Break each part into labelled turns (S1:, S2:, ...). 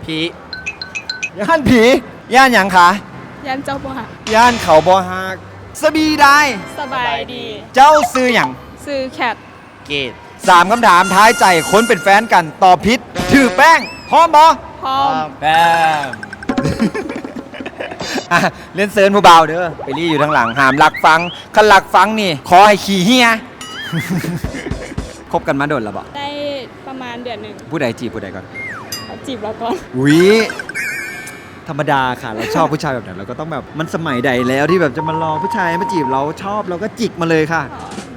S1: ผี
S2: ย่านผีย่านหยังคะ
S3: ยันเจ้าบ่หัก
S2: ย่านเขาบ่ฮักสบีได้
S3: สบายดี
S2: เจ้าซื้อหยัง
S3: ซื้อแคท
S1: เกต
S2: 3 คำถามท้ายใจคนเป็นแฟนกันตอบผิดถือแป้งพร้อมบ่
S3: พร้อม
S2: แป้ง อ่ะเล่นเซิร์นผู้เบาเด้อไปรี่อยู่ทางหลังหามหลักฟังคันหลักฟังนี่ขอให้ขี่เฮีย คบกันมาโดนแล้วบ่
S3: ได้ประมาณเดือนหนึ่ง
S2: ผู้ใดจีบผู้ใดก่อน
S3: เขาจีบเราก่อน
S2: อุ๊ยธรรมดาค่ะเราชอบผู้ชายแบบไหนเราก็ต้องแบบมันสมัยใดแล้วที่แบบจะมารอผู้ชายมาจีบเราชอบเราก็จิกมาเลยค่ะ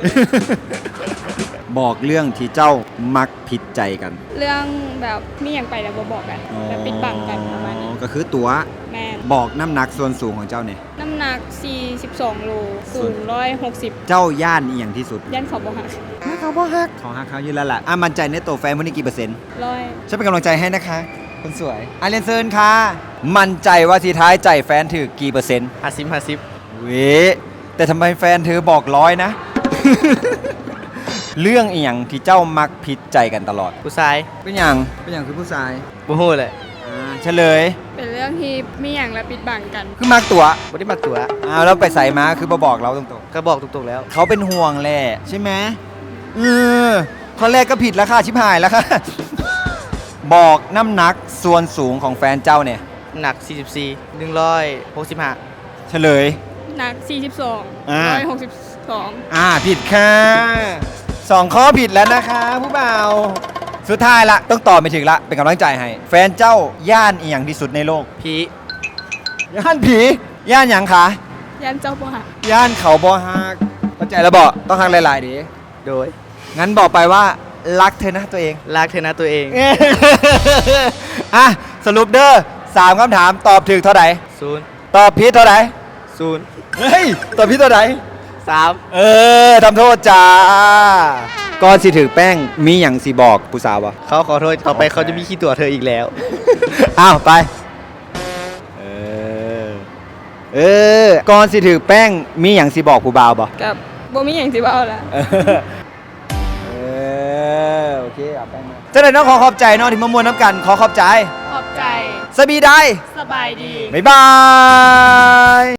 S2: บอกเรื่องที่เจ้ามักผิดใจกัน
S3: เรื่องแบบมีอย่างไปแล้วบ่บอกกันแบบปิดบังกันประมาณนี้
S2: ก็คือตัว
S3: แม่น
S2: บอกน้ำหนักส่วนสูงของเจ้าเนี่ย
S3: น้ำหนัก 42 โลสูง160
S2: เจ้าย่านเอียงที่สุด
S3: ยันเขาบ่หัก
S2: เขาบ่ฮักของฮักเขาอยู่แล้วล่ะมั่นใจในตัวแฟนวันนี้กี่เปอร์เซ็นต์
S3: ร้อย
S2: ฉันเป็นกำลังใจให้นะคะคนสวยอาเรียนเซิร์นค่ะมั่นใจว่าทีท้ายใจแฟนถือกี่เปอร์เซ็นต์
S1: 50
S2: เว้แต่ทำไมแฟนเธอบอกร้อยนะ เรื่องอีหยังที่เจ้ามักผิดใจกันตลอด
S1: ผู้ชาย
S2: เป็นอย่างคือผู้ชาย
S1: บ่ฮู้เลย
S2: เฉลย
S3: เป็นเรื่องที่มีอย่างและปิดบังกัน
S2: คือมักตัว
S1: บ่ได้มักตัว
S2: แล้วไปใส่มาคือมาบอกเราตรง
S1: ก็บอกตรงๆแล้ว
S2: ๆเขาเป็นห่วงแหละใช่ไหมข้อแรกก็ผิดแล้วค่ะชิบหายแล้วค่ะ บอกน้ำหนักส่วนสูงของแฟนเจ้าเนี่ย
S1: หนัก44 165
S2: เฉลย
S3: หนัก 42
S2: อ่า
S3: 162
S2: ผิดค่ะ2 ข้อผิดแล้วนะคะผู้บ่าวสุดท้ายละต้องตอบไม่ถึงละเป็นกำลังใจให้ แฟนเจ้าย่านอีหยังที่สุดในโลก
S1: ผี
S2: ย่านผีย่านหยังคะ
S3: ยันเจ้าบ่หัก
S2: ย่านเขาบ่ฮักเข้าใจแล้วบอกต้องฮักหลายๆดิ
S1: โดย
S2: งั้นบอกไปว่ารักเธอนะตัวเอง
S1: ลากเธอนะตัวเอง
S2: อ่ะสรุปเด้อ3 คำถามตอบถูกเท่าไหร่
S1: 0
S2: ตอบผิดเท่าไหร่
S1: 0
S2: เฮ้ยตอบผิดเท่าไหร่
S1: 3
S2: ทำโทษจ้าก่อนสิถือแป้งมีอย่างสิบอกผู้สาววะ
S1: เขาขอโทษต่อไปเขาจะมีขี้ตัวเธออีกแล้ว
S2: อ้าวไปก่อนสิถือแป้งมีอย่างสิบอกผู้บ่าวบ่
S3: กับบ่มีอย่างสิเว้าแล้ว
S2: โอเคเอาแป้งมาเจ้าหน้าที่น้องขอบใจน้องที่มามวนน้ำกันขอบใจ
S3: ขอบใจ
S2: สบีได้
S3: สบายดี
S2: บ๊ายบาย